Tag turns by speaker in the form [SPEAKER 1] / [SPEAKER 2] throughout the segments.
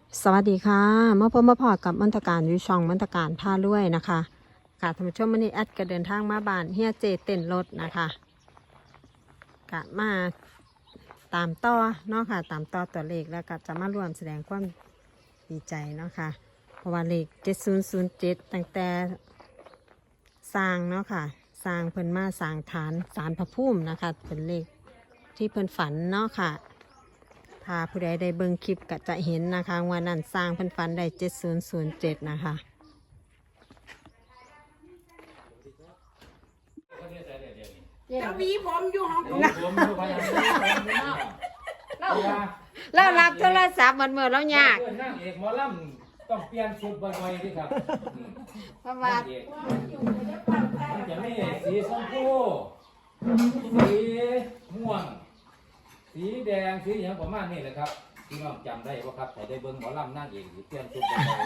[SPEAKER 1] สวัสดีค่ะมาพบมาพอกับมนตการอยู่ช่องมนตการพาลุยนะคะค่ะท่านผู้ชมวันนี้แอดก็เดินทางมาบ้านเฮียเจเต้นรถนะคะกะมาตามต่อเนาะค่ะตามต่อตัวเลขแล้วก็จะมารวมแสดงความดีใจเนาะค่ะเพราะว่าเลข7007ตั้งแต่สร้างเนาะค่ะสร้างเพิ่นมาสร้างฐานศาลพระภูมินะคะเป็นเลขที่เพิ่นฝันเนาะค่ะถ้าผู้ใดได้เบิ่งคลิปก็จะเห็นนะคะว่านั่นสร้างเพิ่นฝันได้7007นะคะ
[SPEAKER 2] แล้ววีผมอยู่ห้อง
[SPEAKER 1] แล้วรับโทรศัพท์มันเมื่อแล้วยาก
[SPEAKER 3] นางเอกหมอลำต้องเปลี่ยนชุดบ่อยๆดิครับ
[SPEAKER 1] เพราะว่า
[SPEAKER 3] มันจะมีสีชมพูสีม่วงสีแดงสีอย่างประมาณนี้แหละครับพี่น้องจำได้ป่ะครับแต่ได้เบิ่งหมอลำนางเอกสิเปลี่ยนชุดบ่อย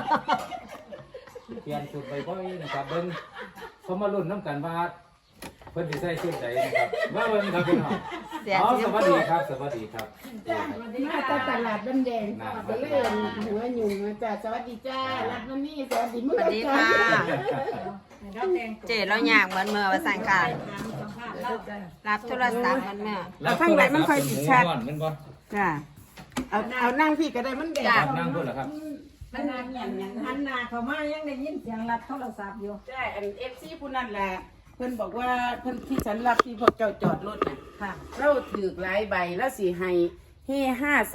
[SPEAKER 3] ๆเปลี่ยนชุดบ่อยๆนะครับเบิ่งเขามาลุ้นน้ำกันว่าเพิ่นสิใส่ชุดใดนะครับมาเบิ่งครับพี่น้องสวัสดีครับสวัสดีครับ
[SPEAKER 2] มาจากตลาดบ้านแดงก็เลยหัวหยุ่งมาจ้าสวัสดีจ้ารัดมันนี่สวัสดี
[SPEAKER 1] สวัสดีค่ะเจแล้วยากเหมือนเมื่อว่าสั่งค่ะรับโทรศัพท์มันเมื่อ
[SPEAKER 3] แล้วข้างในมันค่อยสิชัดมันบ่
[SPEAKER 2] จ้าเอานั่งพี่ก็ได้มันแดง
[SPEAKER 3] นั่งพุ่นเหรอครับ
[SPEAKER 2] มันนานอย่างหันหน้าเขามายังได้ยินเสียงรับโทรศัพท์อยู่ใช่อันFCผู้นั้นแหละเพิ่นบอกว่าเพิ่นที่ฉันรับที่พวกเจ้าจอดรถน่ะค่ะเราถือหลายใบแล้วสิให้เฮ่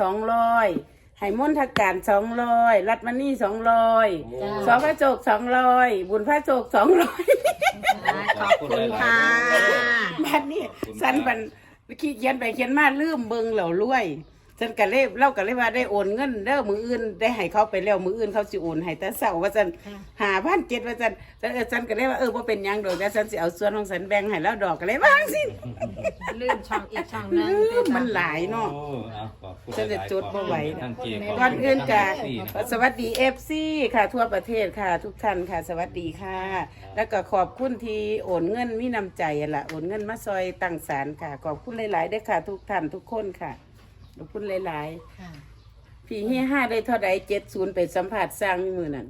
[SPEAKER 2] 200ให้มนทการ200รัดมันนี่200สองพระโจก200บุญพระโจก200
[SPEAKER 1] ขอบคุณค่ะ
[SPEAKER 2] บัดนี้สันบันขี้เขียนไปเขียนมาลืมเบิ่งเหล่ารวยฉันก็เลยเล่าก็เลยว่าได้โอนเงินเด้อมืออื่นได้ให้เขาไปแล้วมืออื่นเขาสิโอนให้แต่เช้าว่าซั่น5,700ว่าซั่นก็เลยว่าบ่เป็นหยังดอกแต่ฉันสิเอาส่วนของฉันแบ่งให้แล้วดอกก็เลยวางสิ
[SPEAKER 1] ลื่นช่องอีกช่องนึง
[SPEAKER 2] มันหลายเนาะ
[SPEAKER 3] โอ้เอาขอบคุณ
[SPEAKER 2] ฉันจะจดบ่ไหว
[SPEAKER 3] ท่านเกียรติ
[SPEAKER 2] ก่อนอื่นกะสวัสดี FC ค่ะทั่วประเทศค่ะ ทุกท่านค่ะ สวัสดีค่ะ แล้วก็ขอบคุณที่โอนเงินมีน้ำใจล่ะโอนเงินมาซอยตั้งศาลค่ะขอบคุณหลายๆด้วยค่ะ ทุกท่านทุกคนค่ะขอบคุณหลายๆพี่เฮีย5ได้เท่าใด70ไปสัมผัสสร้างมือนั่น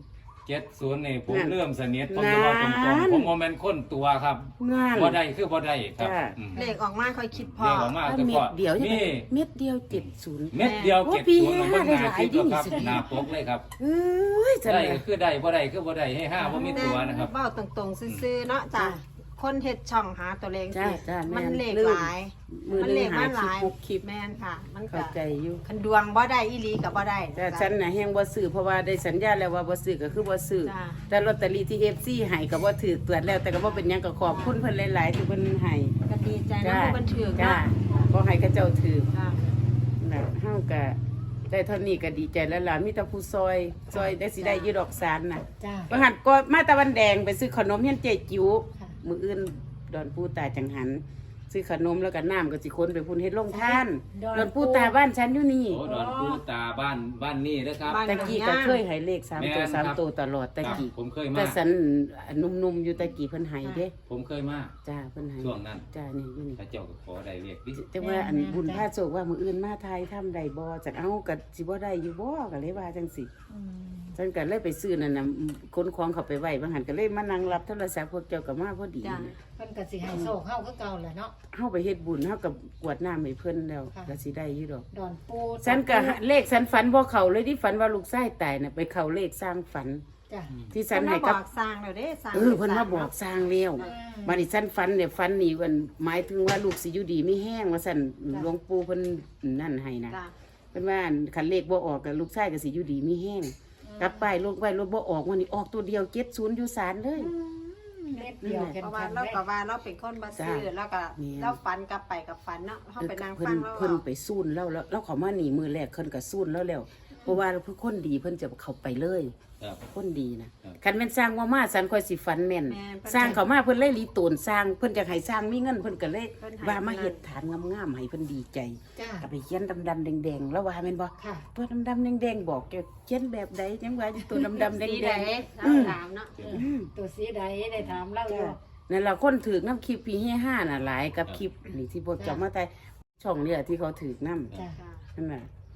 [SPEAKER 3] 70นี่ผมเริ่มสนิทผมจะว่าตรงๆผมโมเมนต์คนตัวครับ
[SPEAKER 2] งาน
[SPEAKER 3] บ่ได้คือบ่ได้ครับ
[SPEAKER 2] จ้า
[SPEAKER 1] เลขออกมาค่อยคิดพอ
[SPEAKER 3] เรียกออกมาแต่
[SPEAKER 2] เม็
[SPEAKER 3] ก็
[SPEAKER 2] ดเดียว
[SPEAKER 3] นี่
[SPEAKER 2] เม็ดเดียว70
[SPEAKER 3] เม็ดเดียว
[SPEAKER 2] โอ้
[SPEAKER 3] เก็บ
[SPEAKER 2] พี่
[SPEAKER 3] ตัวมัน
[SPEAKER 2] ห้าได้
[SPEAKER 3] หน้า
[SPEAKER 2] หลาย
[SPEAKER 3] คลิปแล้วครับ
[SPEAKER 2] ดิ
[SPEAKER 3] หน้าปกเลยครับ
[SPEAKER 2] เอ้ยจัง
[SPEAKER 3] ได้
[SPEAKER 2] เลย
[SPEAKER 3] ก็คือได้บ่ได้คือบ่ได้ให้5บ่มีตัวนะครับ
[SPEAKER 1] เบ้าตรงๆซื่อๆเนาะจ้ะคนเฮ็ดช่องหาตัวเลข
[SPEAKER 2] จ้า
[SPEAKER 1] สิ
[SPEAKER 2] จ้าแม่
[SPEAKER 1] มัน
[SPEAKER 2] น
[SPEAKER 1] เลข
[SPEAKER 2] ลืม
[SPEAKER 1] หลาย
[SPEAKER 2] มือ
[SPEAKER 1] มัน
[SPEAKER 2] ห
[SPEAKER 1] เล
[SPEAKER 2] นึ
[SPEAKER 1] ข
[SPEAKER 2] งหา
[SPEAKER 1] มันหลาย
[SPEAKER 2] คลิป
[SPEAKER 1] แม่นค่ะ มันก็
[SPEAKER 2] เข้าใจอยู่
[SPEAKER 1] คันดวงบ่ได้อีหลีกับบ่ได้
[SPEAKER 2] แต่ฉันน่ะแฮงบ่ซื้อเพราะว่าได้สัญญาแล้วว่าบ่ซื้อก็คือบ่ซื้อ
[SPEAKER 1] จ้ะ
[SPEAKER 2] แต่ลอตเตอรี่ที่ FC ให้ก็บ่ถือตรวจแล้วแต่ก็บ่เป็นหยังก็ขอบคุณเพิ่นหลายๆที่เพิ่นให้
[SPEAKER 1] ก็ดีใจนะผู้บันเทิง
[SPEAKER 2] จ้า
[SPEAKER 1] เนาะ
[SPEAKER 2] บ่ให้เขาเจ้าถือ
[SPEAKER 1] จ้ะ
[SPEAKER 2] น่ะเฮาก็ได้เท่านี้ก็ดีใจแล้วล่ะมีแต่ผู้ซอยได้สิได้อยู่ดอกสารน่ะ
[SPEAKER 4] จ้า
[SPEAKER 2] บางหันก็มาตะวันแดงไปซื้อขนมเฮียนเจจิ๋วมื้ออื่นดอนปูตาจังหัน ซื้อขนมแล้วก็น้ำก็สิคนไปพุ่นเฮ็ดโรงทานดอนปูตาบ้านฉันอยู่นี่
[SPEAKER 3] โอ้ดอนปูตาบ้านนี่นะครับ
[SPEAKER 2] ตะกี้ก็เคยให้เลข3ตัว3ตัวตลอดตะกี้
[SPEAKER 3] ผมเคยมา
[SPEAKER 2] แต่สันหนุ่มๆอยู่ตะกี้เพิ่นให้เด้
[SPEAKER 3] ผมเคยมา
[SPEAKER 2] จ้าเพิ่นให้
[SPEAKER 3] ช่วงนั้น
[SPEAKER 2] จ้านี่อยู่นี่
[SPEAKER 3] พระเจ้าก็ขอได้เรียกดิ
[SPEAKER 2] แต่ว่าอันบุญพระโศกว่ามื้ออื่นมาไทยทำได้บ่จักเอาก็สิบ่ได้อยู่บ่ก็เลยว่าจังซี่ฉันก็เลยไปซื้อนั่นน่ะขนของเข้าไปไว้บางหันก็เลยมานั่งรับโทรศัพท์พวกเจ้าก็มาพอดี
[SPEAKER 1] จ้ะ
[SPEAKER 2] เนี่ย
[SPEAKER 4] เพิ่นก็สิให้โชคเฮาคือเก่าแหละเนาะ
[SPEAKER 2] เฮาไปเฮ็ดบุญเฮากับกวดน้ำให้เพิ่นแล้ว
[SPEAKER 4] ค่ะ
[SPEAKER 2] ก็สิได้อยู่ดอก
[SPEAKER 4] ดอนปู
[SPEAKER 2] ฉันก็เลขฉันฝันบ่เข้าเลยที่ฝันว่าลูกชายตายน่ะไปเข้าเลขสร้างฝัน
[SPEAKER 4] จ้า
[SPEAKER 2] ที่ฉั
[SPEAKER 1] เพิ่
[SPEAKER 2] น
[SPEAKER 1] น
[SPEAKER 2] ให้
[SPEAKER 1] มาบ
[SPEAKER 2] กั
[SPEAKER 1] อบ กสร้างแล้วเด้สร้าง
[SPEAKER 2] เพิ่นมาบอกสร้างแล้วบัดนี้ฉันฝันเนี่ยฝันนี่มันหมายถึงว่าลูกสิอยู่ดีไม่แห้งว่าซั่นหลวงปู่เพิ่นนั่นให้นะ
[SPEAKER 1] จ้ะ
[SPEAKER 2] เพิ่นว่าคันเลขบ่ออกก็ลูกชายก็สิอยู่ดีไม่แห้งกลับไปลูกไว้รถบ่ออกวันนี้ออกตัวเดียว70อยู่ศาลเลย
[SPEAKER 4] เม็ดเดียวแค่
[SPEAKER 1] เพราะว่า
[SPEAKER 4] ๆ
[SPEAKER 1] เรา
[SPEAKER 4] ได้
[SPEAKER 1] ก็ว่าเราเป็นคนบ่ซื้อ
[SPEAKER 2] จ้ะ
[SPEAKER 1] แล้วก็
[SPEAKER 2] แม่น
[SPEAKER 1] เราฝันกลับไปกับฝันเนาะเฮาไปนั่ง
[SPEAKER 2] เพิ่
[SPEAKER 1] ฟั
[SPEAKER 2] น
[SPEAKER 1] งเรา
[SPEAKER 2] เพิ่น
[SPEAKER 1] เอา
[SPEAKER 2] ไปสู้นแล้วแล้วเขามาหนีมือแรกเพิ่นก็สู้นแล้วเพราะว่าเพิ่นคนดีเพิ่นจะเข้าไปเลย
[SPEAKER 3] ครับ
[SPEAKER 2] คนดีนะครับ คันแม่นสร้างว่ามาสันค่อยสิฝันแม่น
[SPEAKER 1] แม่นเพิ่น
[SPEAKER 2] สร้างเขามาเพิ่นเลยรีตูนสร้างเพิ่นอยากให้สร้างมีเงินเพิ่นก็เลย
[SPEAKER 1] เพิ่นให้
[SPEAKER 2] ว่ามาเฮ็ดฐานงามๆให้เพิ่นดีใจ
[SPEAKER 4] จ้า
[SPEAKER 2] ก็ไปเขียนดำๆแดงๆแล้วว่าแม่นบ่
[SPEAKER 4] ค่ะ
[SPEAKER 2] ตัวดำๆแดงๆบอกแกเขียนแบบใดจังว่าอยู่ตัวดำๆแด
[SPEAKER 1] สีใด
[SPEAKER 2] ง
[SPEAKER 1] เราถามเนาะ
[SPEAKER 4] ตัวสีใดได้ถามเล่าอยู่
[SPEAKER 2] ๆนั่นล่ะคนถือน้ำคลิปพี่เฮีย5น่ะหลายกับคลิปนี่ที่พวกเจ้ามาแต่ช่องเนี่ยที่เขาถือน้ำ
[SPEAKER 4] จ้า
[SPEAKER 1] จ้ะ
[SPEAKER 2] นั่นน่ะ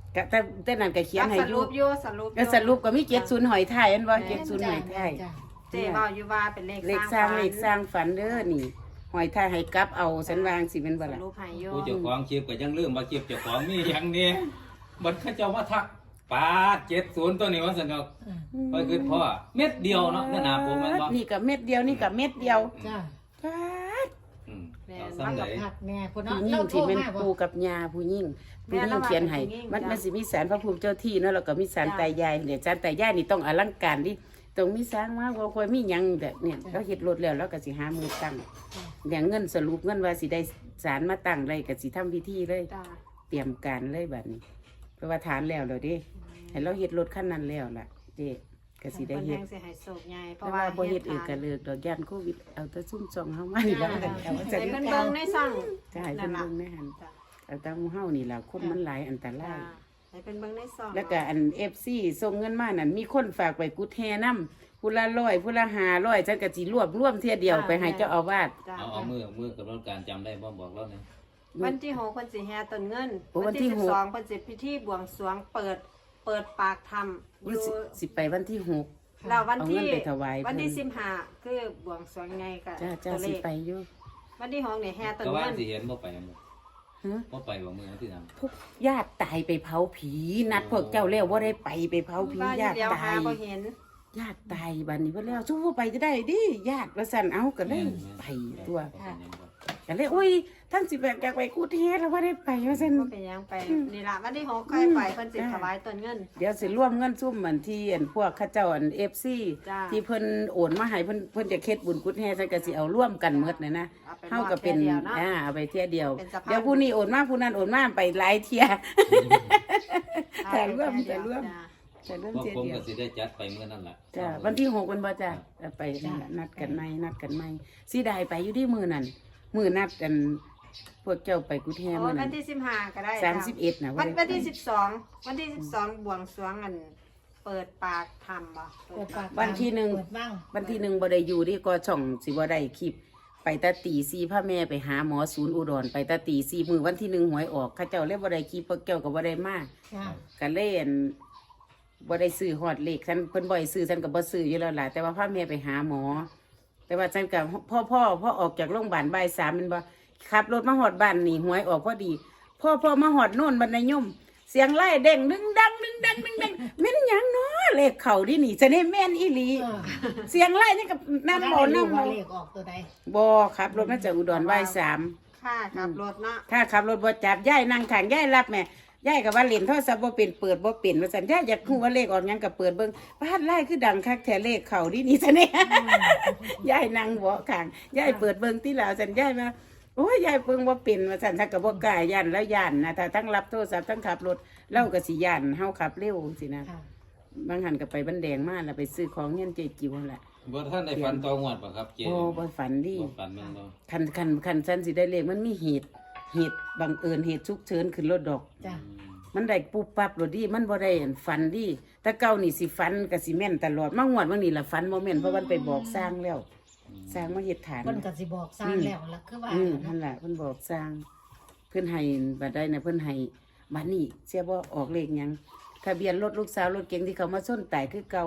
[SPEAKER 2] ก็แต่นั้นก็เขียนให้
[SPEAKER 1] ส
[SPEAKER 2] อ
[SPEAKER 1] รุ
[SPEAKER 2] ยู่
[SPEAKER 1] ปอยู่สรุป
[SPEAKER 2] ก็สรุปก็มี70หอยไทยอันบ่70หอยไทย
[SPEAKER 4] จ้ะ
[SPEAKER 1] เจ๊เว้าอยู่ว่าเป็น
[SPEAKER 2] เลขสร้างเลขสร้างฝันเด้อนี่หอยไทยให้กลับเอาฉันวางสิเป็นบ่
[SPEAKER 1] ส
[SPEAKER 2] ล่ะ
[SPEAKER 1] รุปให้อยู่
[SPEAKER 3] ผู้เจ้าของคลิปก็ยังลืมว่าคลิปเจ้าของมีอย่างนี้บัดเขาเจ้ามาทักปา70ตัวนี้ว่าซั่นเนาะไปคือพ่อเม็ดเดียวเนาะเนื้อหนาผมแม่นบ่
[SPEAKER 2] นี่ก็เม็ดเดียวนี่ก็เม็ดเดียว
[SPEAKER 4] จ้ะ
[SPEAKER 2] ปาด
[SPEAKER 3] อืม
[SPEAKER 1] แม่
[SPEAKER 3] เอา
[SPEAKER 1] น
[SPEAKER 3] ซ้ำ
[SPEAKER 4] กั
[SPEAKER 3] ใด
[SPEAKER 4] บผักแม่พุ่นเนาะ
[SPEAKER 2] ผู้หญิ
[SPEAKER 4] เรา
[SPEAKER 2] ง
[SPEAKER 4] โทร
[SPEAKER 2] ที่เป็น
[SPEAKER 4] มาบ่
[SPEAKER 2] ปู่กับย่าผู้หญิงเขียนให้มันสิมีศาลพระภูมิเจ้าที่เนาะแล้วก็มีศาลตายายเนี่ยศาลตายายนี่ต้องอลังการดิต้องมีสร้างมาบ่ค่อยมีหยังแบบเนี่ยเขาเฮ็ดรถแล้วแล้วก็สิหามือตั้งอย่างเงินสรุปเงินว่าสิได้ศาลมาตั้งได้ก็สิทำพิธีเลย
[SPEAKER 1] จ้า
[SPEAKER 2] เตรียมการเลยบัดนี้เพราะว่าฐานแล้วเด้ให้เราเฮ็ดรถคันนั้นแล้วล่ะเจ๊ก็สิได้
[SPEAKER 1] เพิ่น
[SPEAKER 2] เฮ็
[SPEAKER 1] แฮ
[SPEAKER 2] ด
[SPEAKER 1] งสิให้โศกใหญ่เพ
[SPEAKER 2] แต่
[SPEAKER 1] ราะ
[SPEAKER 2] ว่า
[SPEAKER 1] ว่า
[SPEAKER 2] บ่เฮ็ดเองก็เลิกดอกย่านโควิดเอาแต่ซุ่มซองเฮามานี่แล้วกันเอา
[SPEAKER 1] ให้
[SPEAKER 2] จัง
[SPEAKER 1] เพิ่นเบิ่งในซ่อง
[SPEAKER 2] จะให้เพิ่นเบิ่งแม่หัน
[SPEAKER 1] จ้า
[SPEAKER 2] เอาแต่หมู่เฮานี่ล่ะคนมันหลายอันตรา
[SPEAKER 1] จ้าย ให้เพิ่นเบิ่งในซ่อง
[SPEAKER 2] แล้วก็อัน FC ส่งเงินมานั่นมีคนฝากไปกุดแฮนำผู้ละ100ผู้ละ500ฉันก็สิรวบรวมเที่ยเดียวไปให้เจ้าอาวาส
[SPEAKER 1] จ้า
[SPEAKER 3] เอามือกับรถการจำได้บ่บอกแล้วเนี่ย
[SPEAKER 1] วันที่6เพิ่นสิแห่ต้นเงิน
[SPEAKER 2] โอ้วันที่หก
[SPEAKER 1] 12เพิ่นสิพิธีบวงสรวงเปิดปากธรรมอยู่
[SPEAKER 2] สิไปวันที่6
[SPEAKER 1] แล้ววันที่
[SPEAKER 2] เอาเงินไปถวาย
[SPEAKER 1] วันที่
[SPEAKER 2] เพิ่น
[SPEAKER 1] 15คือบวงสรวงไงก็
[SPEAKER 2] จ้า
[SPEAKER 1] ตัวเล
[SPEAKER 2] สิ
[SPEAKER 1] ข
[SPEAKER 2] ไปอยู่
[SPEAKER 1] วันที่6นี่แห่ต้น
[SPEAKER 3] ก็ว่า
[SPEAKER 1] เงิน
[SPEAKER 3] สิเห็นบ่ไปบ่
[SPEAKER 2] ฮะ
[SPEAKER 3] บ่ไปบ่มือที่ทำ
[SPEAKER 2] พวกญาติตายไปเผาผีนัดพวกเจ้าแล้วว่าได้ไปเผาผี
[SPEAKER 1] ว่าอยู่
[SPEAKER 2] ญาติ
[SPEAKER 1] เดียว
[SPEAKER 2] ตา
[SPEAKER 1] หาย บ่เห็น
[SPEAKER 2] ญาติตายบัดนี้เพิ่นแล้วสู้ว่าไปจะได้ดิญาติว่าซั่นเอาก็เลยไปตัวก็เลยโอ้ยทั้งสิแบบอยากไปกูเทศแล้วว่าได้ไปว่าซั่น
[SPEAKER 1] บ่เป็นหยังไปนี่ล่ะวันที่6ค่อยไปเพิ่นสิถวายต้นเงิน
[SPEAKER 2] เดี๋ยวสิร่วมเงินซุ่มเหมือนที่อันพวกเข้าเจ้าอัน FC
[SPEAKER 1] จ้า
[SPEAKER 2] ที่เพิ่นโอนมาให้เพิ่นจะเฮ็ดบุญกุศลแห่ซั่นก็สิเอาร่วมกันหมดนะเฮาก็เป็นเอาไปเที่ยเดียว
[SPEAKER 1] เป็นสะพาน
[SPEAKER 2] เดี๋ยวผู้นี้โอนมาผู้นั้นโอนมาไปหลายเที่ย แต่ร่วม
[SPEAKER 1] จ้า
[SPEAKER 2] แต่เริ่ม
[SPEAKER 3] พวก
[SPEAKER 2] เที่ย
[SPEAKER 3] ผม
[SPEAKER 2] เดีย
[SPEAKER 3] ก็
[SPEAKER 2] ว
[SPEAKER 3] สิได้จัดไปเมื่อนั้นล่ะ
[SPEAKER 2] จ้าวันที่6วันบ่จ้าไปนั่นล่ะนัดกันใหม่สิได้ไปอยู่ที่มื้อนั้นมื้อนัดกันพวกเจ้าไปกุฏแฮ
[SPEAKER 1] โอ้
[SPEAKER 2] มื้อ
[SPEAKER 1] วั
[SPEAKER 2] นั้น น
[SPEAKER 1] ที่15ก็ได้
[SPEAKER 2] 31น่ะ
[SPEAKER 1] วันที่
[SPEAKER 2] ได้
[SPEAKER 1] 12วันที่12บวงสรวงอันเปิดปากธรรมบ่
[SPEAKER 4] เปิดปาก
[SPEAKER 2] วันที่หนึ่ง
[SPEAKER 4] เปิดบ้าง
[SPEAKER 2] วันที่1บ่ได้อยู่ที่ก็ช่องสิบ่ได้คลิป ไปตาตี4พระแม่ไปหาหมอศูนย์อุดรไปตาตี4มื้อวันที่1หวยออกเขาเจ้าเลยบ่ได้คลิปพวกเจ้าก็บ่ได้มา
[SPEAKER 4] จ้ะ
[SPEAKER 2] ก็เล่นบ่ได้ซื้อฮอดเลขฉันเพิ่นบ่ให้ซื้อฉันก็บ่ซื้ออยู่แล้วล่ะแต่ว่าพาแม่ไปหาหมอ แต่ว่าฉันก็พ่อออกจากโรงพยาบาลบ่าย3แม่นบ่ขับรถมาฮอดบ้านนี่หวยออกพอดีพ่อมาฮอดโน่นบันไดยมเสียงไล่เด้งดึงดังแม่นหยังเนาะเลขเข้าดินี่จะได้แม่นอีหลี
[SPEAKER 4] เออ
[SPEAKER 2] เสียงไล่นี่กับน้ำบ่
[SPEAKER 4] ได้รู้
[SPEAKER 2] น้ำ
[SPEAKER 4] ว่า
[SPEAKER 2] บ่
[SPEAKER 4] เลขออกตัวใด
[SPEAKER 2] บ่ครับรถมาจากอุดรบ่าย3
[SPEAKER 1] ค่าขับรถเนาะ
[SPEAKER 2] ถ้าขับรถบ่จับยายนั่งข้างยายรับแม่ยายก็ว่าเล่นโทรศัพท์บ่เป็นเปิดบ่เป็นว่าซั่นยายอยากฮู้ว่าเลขออกหยังก็เปิดเบิ่งบ้านไล่คือดังคักแท้เลขเข้าดินี่ซะเนี่ยยายนั่งเบาะข้างยายเปิดเบิ่งที่ลาวซั่นยายว่าโอ้ยยายเบิ่งบ่เป็นว่าซั่นถ้าก็บ่กล้าย่านแล้วย่านนะถ้าทั้งรับโทรศัพท์ทั้งขับรถเราก็สิย่านเฮาขับเร็วสินะ
[SPEAKER 4] ค่ะ
[SPEAKER 2] บางหันก็ไปบันแดงมาแล้วไปซื้อของเงินเจจิ๋วนั่นแหละ
[SPEAKER 3] บ่ท่านได้ฟันตองวดป่ะครับเจ๊
[SPEAKER 2] โอ้บ่ฝันดี
[SPEAKER 3] บ่ฟันแม่นบ่
[SPEAKER 2] คันฉันสิได้เลขมันมีเหตุบังเอิญเหตุฉุกเฉินขึ้นรถดอก
[SPEAKER 4] จ้ะ
[SPEAKER 2] มันได้ปุ๊บปั๊บรถดีมันบ่ได้อันฝันดีแต่เก่านี่สิฝันก็สิแม่นตลอดมางวดวันนี้ล่ะฝันบ่แม่นเพราะมันไปบอกสร้างแล้ว สร้างมาเฮ็ดฐาน
[SPEAKER 4] เพิ่นก็สิบอกสร้างแล้วล่ะคือว่า
[SPEAKER 2] นั่นแหละเพิ่นบอกสร้าง เพิ่นให้บัดได้นะเพิ่นให้บัดนี้เสียบ่ออกเลขหยังทะเบียนรถลูกสาวรถเก๋งที่เขามาชนตายคือเก่า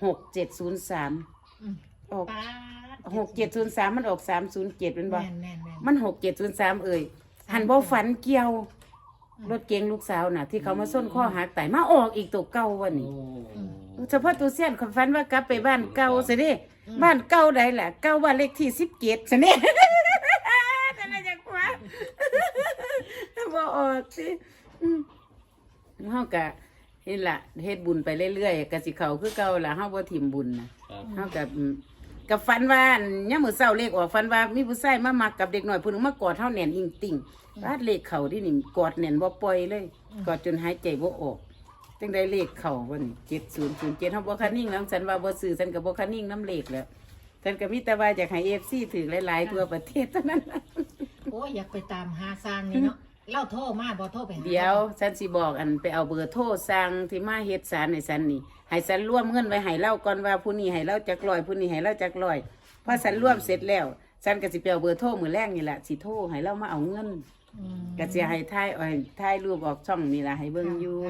[SPEAKER 2] 6703
[SPEAKER 4] อืม
[SPEAKER 2] ออก
[SPEAKER 4] ป๊าด
[SPEAKER 2] 6703มันออก307เป็นบ่
[SPEAKER 4] แม่น
[SPEAKER 2] มัน6703หันบ่ฝันเกี่ยว รถเก๋งลูกสาวน่ะ ที่เขามาส้นข้อหักตายมาออกอีกตัวเก่าวันนี้เฉพาะตัวเสี้ยนคนฝันว่ากลับไปบ้านเก่าสิเด้บ้านเก่าใดล่ะเก่าบ้านเลขที่17สิเด้ แต่ละจังหวะบ่ออกสิเฮาก็เฮ็ดล่ะเฮ็ดบุญไปเรื่อยๆก็สิเข้าคือเก่าล่ะเฮาบ่ถิ่มบุญน่ะ
[SPEAKER 3] ครับ
[SPEAKER 2] เฮากับฝันว่าอั่นยามมื้อเช้าเลขออกฝันว่ามีผู้ชายมามักกับเด็กน้อยผู้หนึงมากอดเฮาแน่นอิงติ่งบาดเลขเข้าดินี่กอดแน่นบ่ปล่อยเลยกอดจนหายใจบ่ออกจังได้เลขเข้าวันนี้7007เฮาบ่คันนิ่งแล้วฉันว่าบ่ซื้อฉันก็บ่คันนิ่งน้ำเลขแล้วฉันก็มีแต่ว่าอยากให้ FC ถือหลายๆทั่วประเทศเท่านั้นล่ะ
[SPEAKER 4] โอ้ยอยากไปตามหาสร้างนี่เนาะเล่าโทรมาบ่โทรไปหา
[SPEAKER 2] เดี๋ยวฉันสิบอกอันไปเอาเบอร์โทรสั่งที่มาเฮ็ดสารให้ฉันนี่ให้ฉันร่วมเงินไว้ให้เล่าก่อนว่าผู้นี้ให้เล่าจักร้อยผู้นี้ให้เล่าจักร้อยพอฉันร่วมเสร็จแล้วฉันก็สิไปเอาเบอร์โทรมื้อแรกนี่แหละสิโทรให้เล่ามาเอาเงิน
[SPEAKER 4] อืม
[SPEAKER 2] ก็สิให้ถ่ายรูปออกช่องนี่ล่ะให้เบิ่งอยู่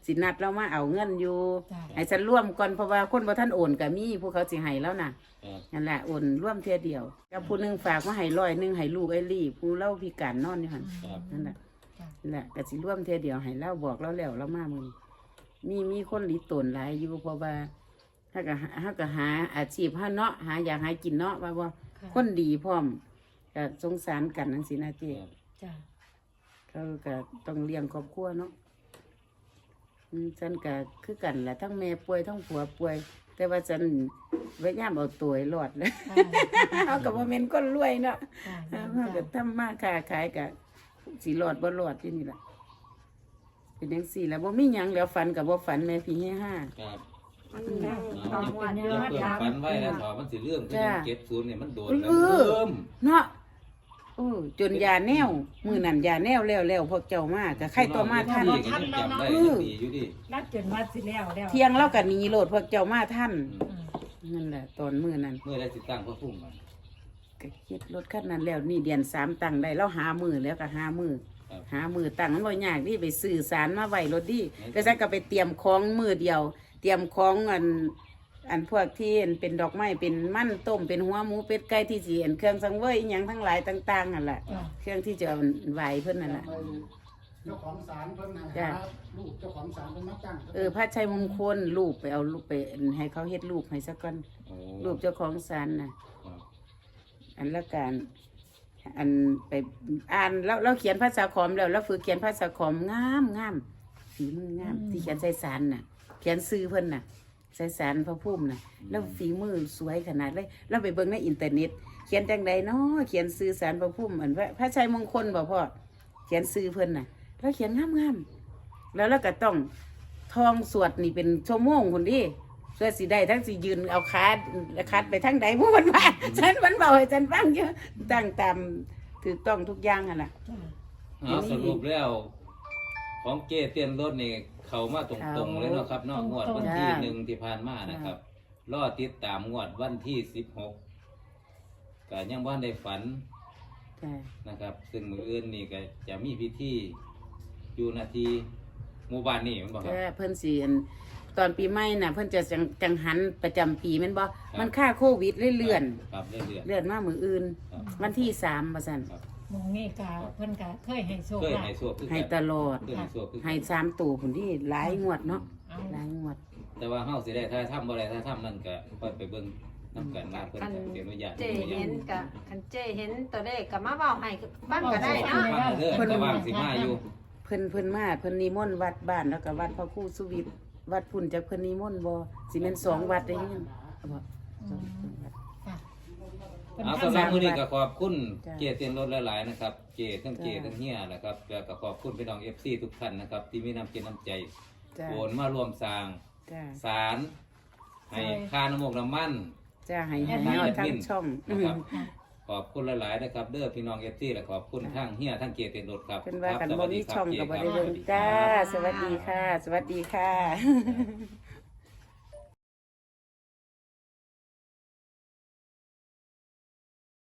[SPEAKER 2] สินัดเรามาเอาเงินอยู่
[SPEAKER 4] จ้ะ
[SPEAKER 2] ให้ฉันร่วมก่อนเพราะว่าคนบ่ท่านโอนก็มีผู้เขาสิให้แล้วน่ะ
[SPEAKER 3] ครับ
[SPEAKER 2] นั่นแหละโอนร่วมเทียเดียวกับผู้หนึงฝากมาให้100ให้ลูกไอ้ลี่ผู้เล่าพิการนอนอยู่หั่น
[SPEAKER 3] ครับ
[SPEAKER 2] นั่นแหละ
[SPEAKER 4] จ้ะ
[SPEAKER 2] นั่นแหละก็สิร่วมเทียเดียวให้เล่าบอกเราแล้วเรามามื้อนี้มีคนหลีตนหลายอยู่เพราะว่าถ้าก็หาอาชีพเฮาเนาะหาอยากหากินเนาะว่าบ่
[SPEAKER 4] ค่ะ
[SPEAKER 2] คนดีพร้อมก็สงสารกันจังซี่นะเจ้
[SPEAKER 3] ครับ
[SPEAKER 4] จ้ะ
[SPEAKER 2] เขาก็ต้องเลี้ยงครอบครัวเนาะฉันก็คือกันแหละทั้งแม่ป่วยทั้งผัวป่วย แต่ว่าฉันพยายามเอาตัวให้รอดเลย เอากับว่าเมนก้นรวยเนาะ
[SPEAKER 4] จ้ะ
[SPEAKER 2] เอาก็ทำมาค้าขายกับสีรอดบ่รอดที่นี่แหละเป็นจังซี่แล้วบ่มีหยังแล้วฝันกับบ่ฝันแม่พี่ให้ห้า
[SPEAKER 3] ครับ
[SPEAKER 1] ต้องหวด
[SPEAKER 3] เดี๋ยวเพิ่มฝันไว้แล้วถอมันสิเรื่องคือ
[SPEAKER 2] จ้า
[SPEAKER 3] เก็บศูนย์เนี่ยมันโดน
[SPEAKER 2] เออ
[SPEAKER 3] เริ่ม
[SPEAKER 2] เนาะโอ้จนยาแนวมือนั่นยาแนวแล้วพวกเจ้ามาก็ใครตัวมาท่าน
[SPEAKER 3] พี่ก็ยังจำได้ยังดีอยู่ดิ
[SPEAKER 4] นัดจนว่าสิแล้วแล้ว
[SPEAKER 2] เที่ยงเราก็หนีโลดพวกเจ้ามาท่าน
[SPEAKER 3] อืม
[SPEAKER 2] นั่นแหละตอนมือนั้น
[SPEAKER 3] เมื่อได้ติดตั้งพระพุ่มมัน
[SPEAKER 2] ก็เฮ็ดรถคันนั้นแล้วนี่เดือน3ตั้งได้แล้วหามือแล้วก็หามือ
[SPEAKER 3] ครับ
[SPEAKER 2] หามือตั้งมันบ่ยากนี่ไปสื่อสารมาไว้รถดิแต่ฉันก็ไปเตรียมของมือเดียว เตรียมของอันพวกที่เป็นดอกไม้เป็นมันต้มเป็นหัวหมูเป็ดไก่ที่สิเห็นเครื่องสังเวยอหยังทั้งหลายต่างๆนั่นแหละ
[SPEAKER 4] จ้ะ
[SPEAKER 2] เครื่องที่จะเอาไหวเพิ่นนั่นแหละ
[SPEAKER 5] เจ้าของศาลเพิ่นให้
[SPEAKER 2] จ้ะ
[SPEAKER 5] หาลูกเจ้าของศาลเพิ่นมาตั้ง
[SPEAKER 2] พระชัยมงคลรูปไปเอารูปไปให้เขาเฮ็ดรูปให้สักก่อน
[SPEAKER 3] โอ้
[SPEAKER 2] รูปเจ้าของศาลน่ะ
[SPEAKER 3] ครับ
[SPEAKER 2] อันละการอันไปอ่านแล้วเราเขียนภาษาขอมแล้วฝึกเขียนภาษาขอมงามฝีมืองามที่เขียนใส่สารน่ะ เขียนซื้อเพิ่นน่ะใส่สารพระพุ่มน่ะแล้วฝีมือสวยขนาดเลยเราไปเบิ่งในอินเทอร์เน็ต เขียนจังใดเนาะเขียนซื้อสารพระพุ่มอันว่าพระชัยมงคลบ่พ่อเขียนซื้อเพิ่นน่ะแล้วเขียนงามแล้วเราก็ต้องท่องสวดนี่เป็นชั่วโมงคนดิเพื่อสิได้ทั้งสิยืนเอาคัดไปทั้งใดพวกมันว่า ฉันมันเบาให้ฉันฟังเยอะตั้งตามถูกต้องทุกอย่างอ่ะล่ะ
[SPEAKER 4] จ้ะ
[SPEAKER 3] เอาสรุปแล้วของเจเตียนรถนี่เขามาตรงๆเลยเนาะครับเนอกงวดวันที่
[SPEAKER 2] จ้า
[SPEAKER 3] หนึ่งที่ผ่านมานะครับ รอติดตามงวดวันที่16ก็ยังบ่ได้ฝัน
[SPEAKER 2] จ้ะ
[SPEAKER 3] นะครับ ซึ่งมืออื่นนี่ก็จะมีพิธีอยู่นาทีหมู่บ้านนี่แมันบอกครับ
[SPEAKER 2] แต่เพิ่นสิอันตอนปีใหม่น่ะ เพิ่นจะจังหันประจำปีแม่นบ่มันค่าโควิดเลยเลื่อน
[SPEAKER 3] ครับเรื่อย
[SPEAKER 2] เลื่อนมามื้ออื่น
[SPEAKER 3] ครับ
[SPEAKER 2] วันที่3ว่าซั่น
[SPEAKER 3] ๆครับ
[SPEAKER 4] หมองนี่กะเพิ่นกะเคยให้โชค
[SPEAKER 3] เคย
[SPEAKER 4] ลา
[SPEAKER 3] ให้
[SPEAKER 4] ภ
[SPEAKER 3] โชคคือ
[SPEAKER 2] ให้
[SPEAKER 3] กัน
[SPEAKER 2] ตลอด
[SPEAKER 3] เคยให้โชคคือกัน
[SPEAKER 2] ให้3ตัวพุ่นที่หลายงวดเนาะ
[SPEAKER 4] เอา
[SPEAKER 2] หลายงวด
[SPEAKER 3] แต่ว่าเฮาสิได้ถ้าทำบ่ได้ถ้าทำนั่นก็ค่อยไปเบิ่งนํกันว่าเพิ่นจะเสียอนุญาต
[SPEAKER 1] เจ
[SPEAKER 3] บ่อ
[SPEAKER 1] เห็
[SPEAKER 3] ยาก
[SPEAKER 1] นกับคันเจเห็นตัวเลขกับมาเบาให้บ้างก็ได้เนาะ
[SPEAKER 3] มาเด้อแต่ว่าสิมาอยู่
[SPEAKER 2] เพิ่นมาเพิ่นนิมนต์วัดบ้านแล้วก็วัดพระครูสุวิทย์วัดพุ่นจากเพิ่นนิมนต์บ่สิแม่น2วัดได้ยังบ่
[SPEAKER 4] อืมค่ะเพิ่น
[SPEAKER 3] เอา
[SPEAKER 4] ทำ
[SPEAKER 3] สำหรับมื้อนี้ก็ขอบคุณ
[SPEAKER 2] จ้ะ
[SPEAKER 3] เจเตียนรถหลายๆนะครับ เจทั้งเจทั้งเฮียนะครับแล้วก็ขอบคุณพี่น้อง FC ทุกท่านนะครับ ที่มีน้ำจิตน้ำใจ
[SPEAKER 2] จ้า
[SPEAKER 3] โอนมาร่วมสร้าง
[SPEAKER 2] จ้า
[SPEAKER 3] ศาลให้ค่าน้ำมกน้ำมัน
[SPEAKER 2] จ้าให้ฮอดทั้งช่อง
[SPEAKER 3] นะครับ
[SPEAKER 4] ค่ะ
[SPEAKER 3] ขอบคุณหลายๆนะครับ เด้อพี่น้องเอฟซีและขอบคุณทั้งเฮียทั้งเกียรติรถครับ
[SPEAKER 2] เพิ่นว่ากัน
[SPEAKER 3] ครับ
[SPEAKER 2] บ่มีช่องก็บ่ได้เบิ่ง
[SPEAKER 3] สวัสดีครับ
[SPEAKER 2] จ้า สวัสดีค่ะ สวัสดีค่ะ